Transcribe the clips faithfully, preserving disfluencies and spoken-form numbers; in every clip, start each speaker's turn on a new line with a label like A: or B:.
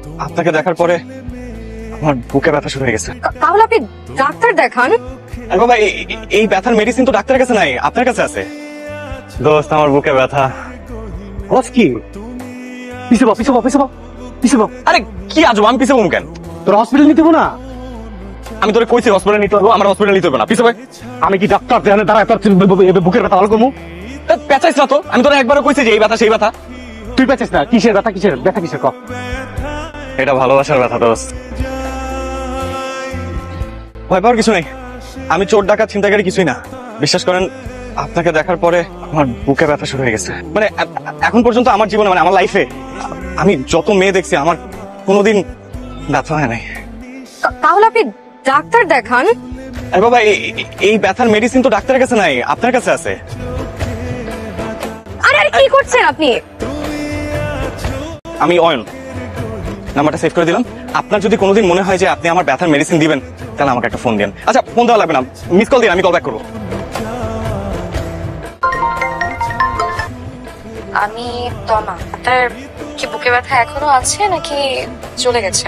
A: আপনাকে দেখার পরে আমার বুকে ব্যথা শুরু হয়ে গেছে।
B: তাহলে আপনি ডাক্তার দেখান।
A: আরে বাবা, এই- এই ব্যথার মেডিসিন তো ডাক্তারের কাছে নাই, আপনার কাছে আছে। দোস্ত, আমার বুকে ব্যথা।
C: বস কি পিছে বাপ পিছে বাপ পিছে বাপ পিছে বাপ
A: আরে কি আজব, আমি পিছে বলবো কেন?
C: তোর হসপিটাল নিতে হবো না?
A: আমি তোরে কইছি হসপিটালে নিতে হবে, আমার হসপিটালে নিতে হবে না। পিছে ভাই,
C: আমি কি ডাক্তার দেখানে দাঁড়ায় তোর বুকের ব্যথা ভালো করবো?
A: পেঁচাইস না তো, আমি তোরা একবারও কইছি যে এই ব্যথা সেই ব্যথা।
C: তুই পেঁচিস না, কিসের ব্যথা কিসের ব্যথা কিসের কর।
A: এটা ভালোবাসার ব্যথা দোস্ত। ভয় পাওয়ার কিছু নেই, আমি চোর ডাকাত ছিনতাইকারী কিছুই না। বিশ্বাস করেন, আপনাকে দেখার পরে আমার বুকে ব্যথা শুরু হয়ে গেছে। মানে এ- এখন পর্যন্ত আমার জীবনে, মানে আমার লাইফে আমি যত মেয়ে দেখছি, আমার কোনোদিন ব্যথা হয় নাই।
B: তা- তাহলে আপনি ডাক্তার দেখান।
A: আরে বাবা, এই- এই- এই ব্যথার মেডিসিন তো ডাক্তারের কাছে নাই, আপনার কাছে আছে।
B: আরে আরে কি করছেন আপনি?
A: আমি অয়ন, নাম্বারটা সেভ করে দিলাম। আপনার যদি কোনোদিন মনে হয় যে আপনি আমার ব্যথার মেডিসিন দিবেন, তাহলে আমাকে একটা ফোন দিন। আচ্ছা, ফোন দেওয়া লাগবে না, মিস কল দিন, আমি কল ব্যাক করবো।
B: আমি তমা। আপনার কি বুকে ব্যথা এখনো আছে নাকি চলে গেছে?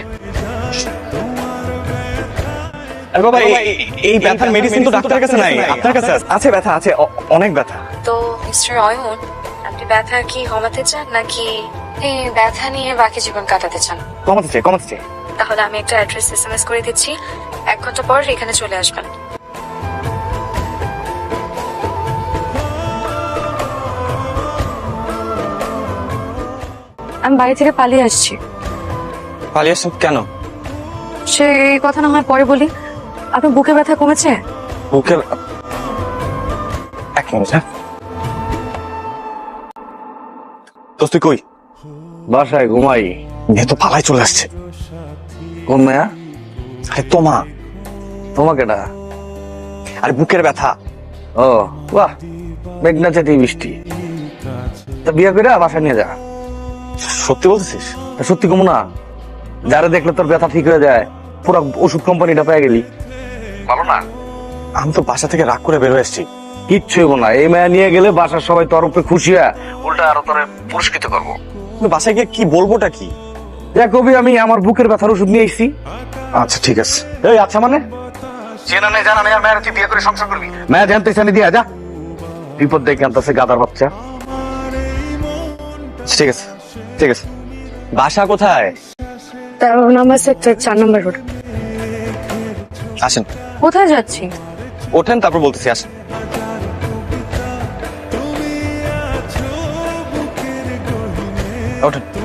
A: আরে বাবা, এই- এই- এই ব্যথার মেডিসিন তো ডাক্তারের কাছে নাই, আপনার কাছে আছে। আছে ব্যথা আছে, অ- অনেক ব্যথা।
B: তো মিস্টার অয়ন, আপনি ব্যথা কি কমাতে চান নাকি এই ব্যথা নিয়ে বাকি জীবন কাটাতে চান?
A: কমাতে চাই, কমাতে চাই।
B: তাহলে আমি একটা অ্যাড্রেস এসএমএস করে দিচ্ছি, এক ঘন্টা পর এখানে চলে আসবেন। আমি বাড়ি থেকে পালিয়ে আসছি।
A: পালিয়ে আসছেন কেন?
B: সে এই কথা না হয় পরে বলি। আপনার বুকে ব্যথা কমেছে?
A: বুকে এক মিনিট, হ্যাঁ। দোস্ত, তুই কই?
C: বাসায় ঘুমাই।
A: মেয়ে তো পালাই চলে আসছে।
C: কোন মেয়া?
A: আরে তোমা,
C: তোমাকে না?
A: আরে বুকের ব্যথা।
C: ও বাহ, মেঘনা চেতি বৃষ্টি। তা বিয়ে করে বাসায় নিয়ে যা।
A: সত্যি বলছিস?
C: তা সত্যি কমু না? যারা দেখলে তোর ব্যথা ঠিক হয়ে যায়, পুরো ওষুধ কোম্পানিটা পেয়ে গেলি। ভালো না?
A: আমি তো বাসা থেকে রাগ করে বের হয়ে এসেছি।
C: কিচ্ছু হইব না, এই মেয়া নিয়ে গেলে বাসার সবাই তোর উপরে খুশি হয়, উল্টা আরো তোরে পুরস্কৃত করবো।
A: কিন্তু বাসায় গিয়ে কি বলবোটা কি?
C: দেখ কবি, আমি আমার বুকের ব্যথার ওষুধ নিয়ে এসেছি।
A: আচ্ছা ঠিক আছে।
C: এই আচ্ছা মানে চেনা নেই জানা নেই আর মেয়ের তুই বিয়ে করে সংসার করবি? মেয়া জানতে চানি দিয়া যা, বিপদ দেখে আনতেছে গাদার বাচ্চা।
A: ঠিক আছে ঠিক আছে। বাসা কোথায়?
B: তেরো নম্বর সেক্টর, চার নম্বর রোড।
A: আসেন,
B: কোথায় যাচ্ছি?
A: ওঠেন, তারপর বলতেছি। আসেন। ওঠেন।